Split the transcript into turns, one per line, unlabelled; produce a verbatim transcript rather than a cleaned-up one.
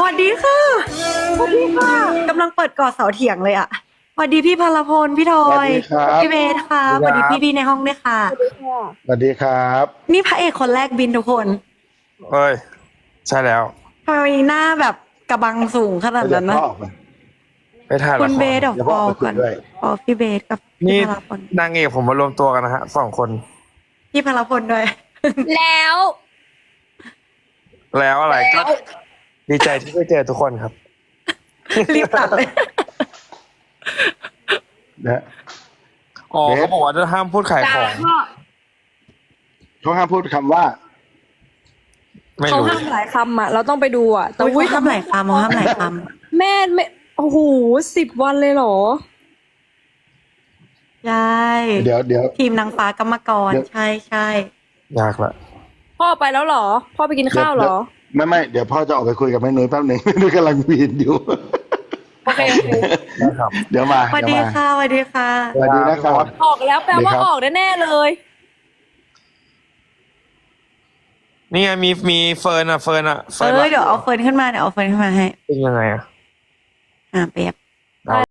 วัสดีค่ะสวัสดีค่ะกำลังเปิดก่อเสาเถียงเลยอ่ะสวัสดีพี่พลพลพี่ทอ
สวัส
ย
ดีครับ
พี่เบสค่ะสวัสดีพี่พี่ๆในห้องด้วยค่ะ
สวัสดีครับ
นี่พระเอกคนแรกบินทุกคน
เอ้ย ใช่แล้ว
ทำไมหน้าแบบกระบังสูงขนาด
เดี๋ย
นั้
วน พ่อ
นะ
ออกมา
ไปถ่าย
คุ
ละ
ณ
ค
เบ
ร
สเดี๋ยว
เดี๋ยว
ฟ
พ่อ
อล
ไปคุ
ก่
ย
อน
ด้วย
ฟอลพี่เบสกับ
นี่
พี่พลพล
นางเอกผมมารวมตัวกันนะฮะสองคน
พี่พลพลด้วย
แล้ว
แล้วอะไรก็ดีใจที่ได้เจอทุกคนครับ
รีบตัดเลย
นะ
อ๋อ
เบส
เขาบอกว่าจะห้ามพูดขายของ
เขาห้ามพูดคำว่า
ไม่
เขา
รู้
ห้ามหลายคำอ่ะ เราต้องไปดูอ่ะ แต่
อุ้ย
อุ้ย
เขาห้ามหลายคำเขาห้ามหลายค
แม่ไม่โอ้โหสิบวันเลยเหรอ
ำใช่
เดี๋ยวเดี๋ยว
ทีมนางฟ้ากรรมกร
เดี๋ยว
ใช่ใช่
ยากละ
พ่อไปแล้วเหรอ พ่อไปกินข้าวเหรอ
ไม่ไม่เดี๋ยวพ่อจะออกไปคุยกับแม่นุ้ยแป๊บหนึ่ง แม่นุ้ยกำลังวีนอยู่
โอเคโอเค
นะครับ
เดี๋ยวมา
สวัส
เดี๋ยว
ดี
มา
ค่ะสวัสดีค่ะ
สวัสดีนะครับ
ออกแล้วแปลว่า
ดีครับ
ออกแน่ๆเลย
นี่ไงมีมีเฟิร์นอ่ะเฟิร์นอ่ะ
เอ
เฟิร์น
อเดี๋ยวเอาเฟิร์นขึ้นมาเดี๋ยวเอาเฟิร์นขึ้นมาให้
เป็นยังไงอ่ะ
อ่าเปียบ